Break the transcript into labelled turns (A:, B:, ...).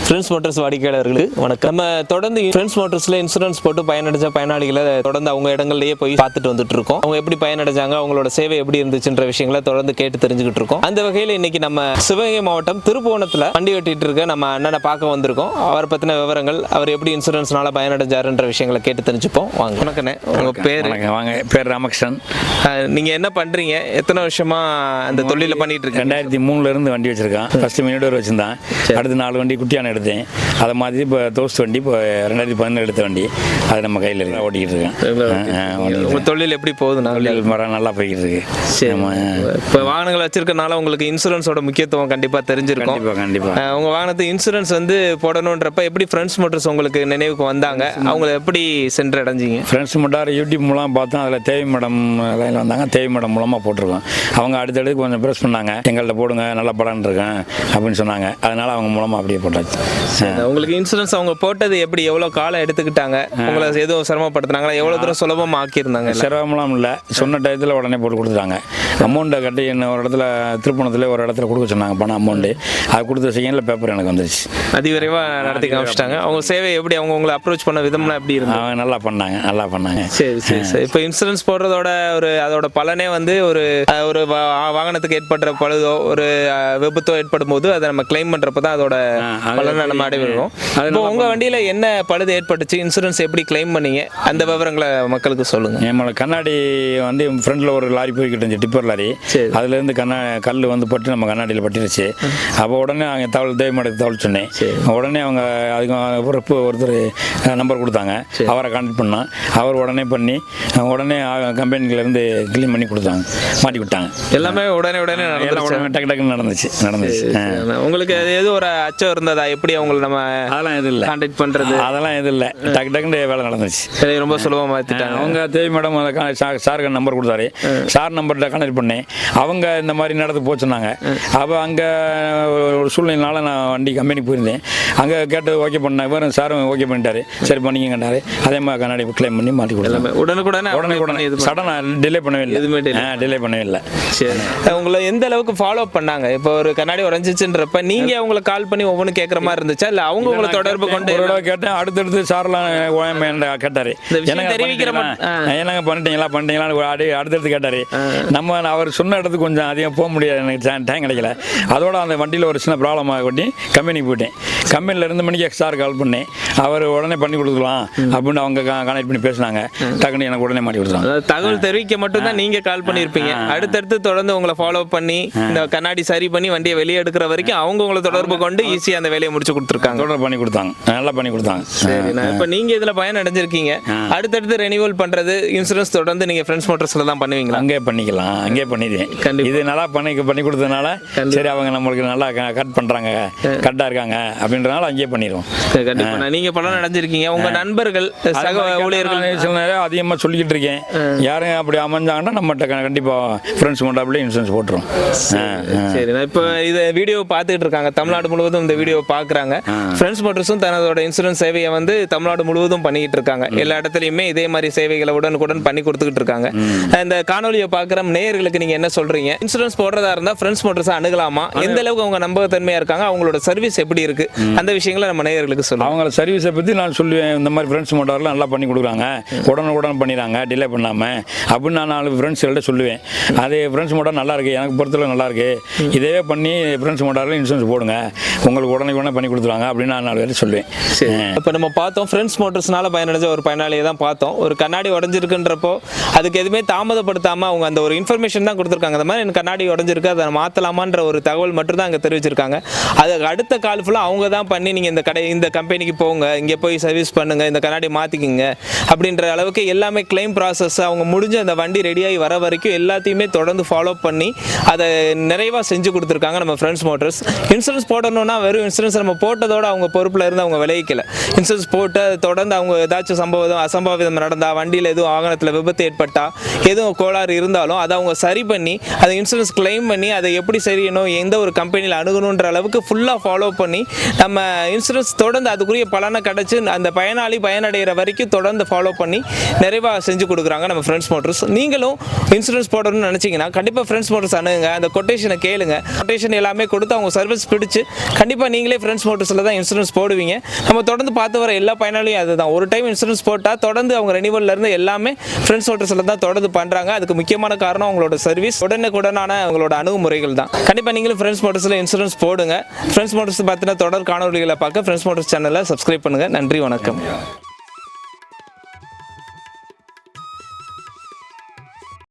A: Friends motors வாடிக்கையாளர்களுக்கு வணக்கம். நம்ம தொடர்ந்து ஃப்ரெண்ட்ஸ் மோட்டர்ஸ்ல இன்சூரன்ஸ் போட்டு பயனடைஞ்ச பயனாளிகளை தொடர்ந்து அவங்க இடங்கள்லயே போய் பார்த்துட்டு வந்துட்டு இருக்கோம். அவங்க எப்படி பயனடைஞ்சாங்க, அவங்களோட சேவை எப்படி இருந்துச்சுன்ற விஷயங்களை தொடர்ந்து கேட்டு தெரிஞ்சுக்கிட்டு இருக்கோம். அந்த வகையில் இன்னைக்கு நம்ம சிவகங்கை மாவட்டம் திருப்புவனத்தில் வண்டி வெட்டிட்டு இருக்க நம்ம அண்ணனை பார்க்க வந்திருக்கோம். அவரை பத்தின விவரங்கள், அவர் எப்படி இன்சூரன்ஸ்னால பயனடைஞ்சாருன்ற விஷயங்களை கேட்டு தெரிஞ்சுப்போம். வாங்க. வணக்கண்ணே, உங்க பேர்?
B: வாங்க, பேர் ராமகிருஷ்ணன்.
A: நீங்க என்ன பண்றீங்க? எத்தனை வருஷமா அந்த தொழில பண்ணிட்டு இருக்கீங்க?
B: 2003 இருந்து வண்டி வச்சிருக்கேன். ஃபர்ஸ்ட் மினிடோர் வச்சிருந்தேன், அடுத்து 4 வண்டி குட்டியான எடுத்தேன். அதை மாதிரி இப்போ தோஸ்ட் வண்டி இப்போ 2017 எடுத்த வண்டி, அது நம்ம கையில் இருக்கு, ஓட்டிக்கிட்டு இருக்கேன்.
A: உங்க தொழில் எப்படி போகுது?
B: நல்லா போய்கிட்டு இருக்கு.
A: இப்போ வாகனங்கள் வச்சிருக்கனால உங்களுக்கு இன்சூரன்ஸோட முக்கியத்துவம் கண்டிப்பா தெரிஞ்சிருக்கும்.
B: கண்டிப்பா.
A: உங்க வாகனத்துக்கு இன்சூரன்ஸ் வந்து போடணுன்றப்ப எப்படி ஃப்ரெண்ட்ஸ் மோட்டர்ஸ் உங்களுக்கு நினைவுக்கு வந்தாங்க? அவங்களை எப்படி சென்று அடைஞ்சிங்க?
B: ஃப்ரெண்ட்ஸ் மோட்டார் யூடியூப் மூலம் பார்த்தோம். அதில் தேவி மேடம் லைனில் வந்தாங்க. தேவி மேடம் மூலமாக போட்டிருக்கோம். அவங்க அடுத்தடுத்து கொஞ்சம் ப்ரெஸ் பண்ணாங்க, எங்கள்கிட்ட போடுங்க, நல்ல பலன் இருக்கேன் அப்படின்னு சொன்னாங்க. அதனால அவங்க மூலமாக அப்படியே போட்டாச்சு.
A: உங்களுக்கு இன்சூரன்ஸ் அவங்க போட்டது எப்படி, எவ்வளோ காலம் எடுத்துக்கிட்டாங்க? உங்களை எதுவும் சிரமப்படுத்தினாங்களா? எவ்வளோ தூரம் சுலபமாக ஆக்கியிருந்தாங்க?
B: சிரமம்லாம் இல்லை, சொன்ன டயத்தில் உடனே போட்டு கொடுத்துட்டாங்க. அமௌண்ட்டை கட்டி என்ன ஒரு இடத்துல திருப்பணத்தில் ஒரு இடத்துல கொடுக்க சொன்னாங்க பணம், அமௌண்ட்டு. அது கொடுத்த செகண்டில் பேப்பர் எனக்கு வந்துருச்சு.
A: அதிவிரைவாக நடத்தி காமிச்சிட்டாங்க. அவங்க சேவை எப்படி, அவங்க உங்களை அப்ரோச் பண்ண விதம்லாம் எப்படி இருந்தாங்க?
B: அவங்க நல்லா பண்ணாங்க.
A: சரி. இப்போ இன்சூரன்ஸ் போடுறதோட அதோட பலனே வந்து ஒரு வாகனத்துக்கு ஏற்படுற பழுதோ ஒரு விபத்தோ ஏற்படும் போது அதை நம்ம கிளைம் பண்றப்ப தான் அதோட பலனை நம்ம அடைவோம். இப்போ உங்க வண்டியில என்ன பழுது ஏற்பட்டுச்சு, இன்சூரன்ஸ் எப்படி கிளைம் பண்ணீங்க, அந்த விவரங்களை மக்களுக்கு சொல்லுங்க.
B: நம்மளோட கண்ணாடி வந்து ஃப்ரண்ட்ல ஒரு லாரி போய்கிட்டு இருந்துச்சு, டிப்பர் லாரி. அதுல இருந்து கல் வந்து பட்டு நம்ம கண்ணாடியில் பட்டுருச்சு. அப்போ உடனே அவங்க தேவைமாடத்துக்கு தகவல் சொன்னேன். உடனே அவங்க அதுக்கு ஒருத்தர் நம்பர் கொடுத்தாங்க, அவரை கான்டாக்ட் பண்ணோம். அவர் உடனே பண்ணி உடனே கம்பெனில இருந்து கிளீன் பண்ணி கொடுத்தாங்க, மாட்டி விட்டாங்க.
A: எல்லாமே உடனே
B: டக்குன்னு நடந்துச்சு.
A: உங்களுக்கு எது ஒரு அச்சம் இருந்ததா? எப்படி அவங்களை நம்ம
B: அதெல்லாம் எதுவும் இல்லை,
A: கான்டாக்ட் பண்றது
B: அதெல்லாம் எதுவும் இல்லை. டக்குன்னு வேலை நடந்துச்சு.
A: ரொம்ப சுலபமாக மாற்றிட்டாங்க.
B: அவங்க தேவி மேடம் சாருக்கு நம்பர் கொடுத்தாரு. சார் நம்பர்கிட்ட கனெக்ட் பண்ணேன். அவங்க இந்த மாதிரி நடந்து போச்சுன்னாங்க. அப்போ அங்கே ஒரு சூழ்நிலைனால நான் வண்டி கம்பெனிக்கு போயிருந்தேன். அங்கே கேட்டு ஓகே பண்ணேன். இவரும் சாரும் ஓகே பண்ணிட்டாரு. சரி பண்ணிக்கண்டாரு. அதே மாதிரி கண்ணாடி கிளைம் பண்ணி மாட்டி கொடுத்தாங்க. உடனே சடனாக டிலே பண்ணவே இல்லை, எதுவுமே டிலே பண்ணவே இல்லை.
A: சரி, உங்களை எந்த அளவுக்கு ஃபாலோ பண்ணாங்க? இப்போ ஒரு கண்ணாடி உடஞ்சிச்சுன்றப்ப நீங்க அவங்களை கால் பண்ணி ஒவ்வொன்று கேட்குற மாதிரி இருந்துச்சா, இல்லை அவங்க உங்களை தொடர்பு கொண்டு?
B: ஒரு தடவை கேட்டேன். அடுத்தடுத்து சார்லாம் கேட்டாரு, என்னங்க பண்ணிட்டீங்களா அடுத்தடுத்து கேட்டாரு. நம்ம அவர் சொன்ன இடத்துக்கு கொஞ்சம் அதிகம் போக முடியாது, எனக்கு டைம் கிடைக்கல. அதோட அந்த வண்டியில் ஒரு சின்ன ப்ராப்ளம் ஆகி கம்பெனிக்கு போயிட்டேன். கம்பெனியில் 2 மணிக்கு சார் கால் பண்ணேன். அவர் உடனே பண்ணி கொடுக்கலாம் அப்படின்னு அவங்க கனெக்ட் பண்ணி பேசினாங்க. டக்குன்னு எனக்கு உடனே மாட்டி கொடுத்தாங்க.
A: தகவல் தெரிவிக்க மட்டும்தான் நீங்க கால் பண்ணியிருப்பீங்க. அடுத்தடுத்து தொடர்ந்து உங்களை ஃபாலோ பண்ணி இந்த கண்ணாடி சரி பண்ணி வண்டியை வெளியே எடுக்கிற வரைக்கும் அவங்க உங்களை தொடர்பு கொண்டு ஈஸியாக அந்த வேலையை முடிச்சு கொடுத்துருக்காங்க.
B: தொடர்பு பண்ணி கொடுத்தாங்க, நல்லா பண்ணி கொடுத்தாங்க.
A: சரி, இப்போ நீங்க இதுல பயன் அடைஞ்சிருக்கீங்க. அடுத்தடுத்து ரெனியூவல் பண்றது இன்சூரன்ஸ் தொடர்ந்து நீங்க ஃப்ரெண்ட்ஸ் மோட்டர்ஸ்ல தான் பண்ணுவீங்களா?
B: அங்கே பண்ணிக்கலாம், அங்கே பண்ணிடுவேன். இது நல்லா பண்ணி கொடுத்ததுனால சரி, அவங்க நம்மளுக்கு நல்லா கட் பண்றாங்க, கரெக்டா இருக்காங்க அப்படின்றனால அங்கேயே பண்ணிடுவோம்.
A: கண்டிப்பா நீங்க பலன் அடைஞ்சிருக்கீங்க. உங்க நண்பர்கள், சக ஊழியர்கள்
B: சில நேரம் அதிகமாக சொல்லிக்கிட்டு இருக்கேன். யாரும் அப்படி அமைஞ்சாங்கன்னா நம்மகிட்ட கண்டிப்பா ஃப்ரெண்ட்ஸ் மோட்டார்ல இன்சூரன்ஸ் போட்டுரும்.
A: சரி, இப்போ இதை வீடியோ பார்த்துட்டு இருக்காங்க, தமிழ்நாடு முழுவதும் இந்த வீடியோ பார்க்குறாங்க. ஃப்ரெண்ட்ஸ் மோட்டர்ஸும் தனதோட இன்சூரன்ஸ் சேவையை வந்து தமிழ்நாடு முழுவதும் பண்ணிக்கிட்டு இருக்காங்க. எல்லா இடத்துலையுமே இதே மாதிரி சேவைகளை உடனுக்குடன் பண்ணி கொடுத்துக்கிட்டு இருக்காங்க. இந்த காணொலியை பார்க்குற நேயர்களுக்கு நீங்க என்ன சொல்றீங்க? இன்சூரன்ஸ் போடுறதா இருந்தால் ஃப்ரெண்ட்ஸ் மோட்டர்ஸை அணுகலாமா? எந்த அளவுக்கு அவங்க நம்பகத்தன்மையா இருக்காங்க? அவங்களோட சர்வீஸ் எப்படி இருக்கு? அந்த விஷயங்களை நம்ம நேயர்களுக்கு சொல்லுவோம்.
B: அவங்கள சர்வீஸை பற்றி நான் சொல்லுவேன். இந்த மாதிரி ஃப்ரெண்ட்ஸ் மோட்டார்லாம் நல்லா பண்ணி கொடுக்குறாங்க, உடனுக்குடன் பண்ணிடுறாங்க, டிலே பண்ணாமல் அப்படின்னு நான் 4 ஃப்ரெண்ட்ஸ்கிட்ட சொல்லுவேன். அது ஃப்ரெண்ட்ஸ் மோட்டார் நல்லா இருக்கு, எனக்கு பொறுத்தவரை நல்லா இருக்கு, இதே பண்ணி ஃப்ரெண்ட்ஸ் மோட்டாரில் இன்சூரன்ஸ் போடுங்க, உங்களுக்கு உடனே பண்ணி கொடுத்துருவாங்க அப்படின்னு நான் 4 பேர் சொல்லுவேன்.
A: இப்போ நம்ம பார்த்தோம், ஃப்ரெண்ட்ஸ் மோட்டர்ஸ்னால பயனடைஞ்ச ஒரு பயனாளியை தான் பார்த்தோம். ஒரு கண்ணாடி உடஞ்சிருக்குன்றப்போ அதுக்கு எதுவுமே தாமதப்படுத்தாமல் அவங்க அந்த ஒரு இன்ஃபர்மேஷன் தான் கொடுத்துருக்காங்க. அந்த மாதிரி எனக்கு கண்ணாடி உடஞ்சிருக்கு, அதை மாற்றலாமான்ற ஒரு தகவல் மட்டும் தான் அங்கே தெரிவிச்சிருக்காங்க. அதுக்கு அடுத்த கால் ஃபுல்லாக அவங்க தான் பண்ணி நீங்கள் இந்த கம்பெனிக்கு போங்க, இங்கே போய் சர்வீஸ் பண்ணுங்க, இந்த கண்ணாடி மாற்றிக்கிங்க அப்படின்ற அளவுக்கு எல்லாமே கிளைம் ப்ராசஸ் அவங்க முடிஞ்சு அந்த வண்டி ரெடியாகி வர வரைக்கும் எல்லாத்தையுமே தொடர்ந்து ஃபாலோ பண்ணி அதை நிறைவாக செஞ்சு கொடுத்துருக்காங்க நம்ம ஃப்ரெண்ட்ஸ் மோட்டர்ஸ். இன்சூரன்ஸ் போடணும்னா வெறும் இன்சூரன்ஸ் நம்ம போட்டதோட அவங்க பொறுப்பில் இருந்து அவங்க விளைவிக்கல. இன்சூரன்ஸ் போட்டு தொடர்ந்து அவங்க ஏதாச்சும் அசம்பாவிதம் நடந்தால், வண்டியில் எதுவும் வாகனத்தில் விபத்து ஏற்பட்டால், எதுவும் கோளாறு இருந்தாலும் அதை அவங்க சரி பண்ணி அதை இன்சூரன்ஸ் கிளைம் பண்ணி அதை எப்படி செய்யணும், எந்த ஒரு கம்பெனியில் அணுகணுன்ற அளவுக்கு ஃபுல்லாக ஃபாலோ பண்ணி நம்ம இன்சூரன்ஸ் தொடர்ந்து அதுக்குரிய பலனை தீர்மானம் கிடச்சி அந்த பயனாளி பயனடைகிற வரைக்கும் தொடர்ந்து ஃபாலோ பண்ணி நிறைவாக செஞ்சு கொடுக்குறாங்க நம்ம ஃப்ரெண்ட்ஸ் மோட்டர்ஸ். நீங்களும் இன்சூரன்ஸ் போடணும்னு நினச்சிங்கன்னா கண்டிப்பாக ஃப்ரெண்ட்ஸ் மோட்டர்ஸ் அணுகுங்க, அந்த கொட்டேஷனை கேளுங்க. கொட்டேஷன் எல்லாமே கொடுத்து அவங்க சர்வீஸ் பிடிச்சி கண்டிப்பாக நீங்களே ஃப்ரெண்ட்ஸ் மோட்டர்ஸில் தான் இன்சூரன்ஸ் போடுவீங்க. நம்ம தொடர்ந்து பார்த்து வர எல்லா பயனாளியும் அதுதான். ஒரு டைம் இன்சூரன்ஸ் போட்டால் தொடர்ந்து அவங்க ரெனிவல்லேருந்து எல்லாமே ஃப்ரெண்ட்ஸ் மோட்டர்ஸில் தான் தொடர்ந்து பண்ணுறாங்க. அதுக்கு முக்கியமான காரணம் அவங்களோட சர்வீஸ், உடனுக்குடனான அவங்களோட அணுகுமுறைகள் தான். கண்டிப்பாக நீங்களும் ஃப்ரெண்ட்ஸ் மோட்டர்ஸில் இன்சூரன்ஸ் போடுங்க. ஃப்ரெண்ட்ஸ் மோட்டர்ஸ் பார்த்தினா தொடர் காணொலிகளை பார்க்க ஃப்ரெண்ட்ஸ் மோட்டர்ஸ் சேனலை சப்ஸ்கிரைப் பண்ணுங்கள். நன்றி, வணக்கம்.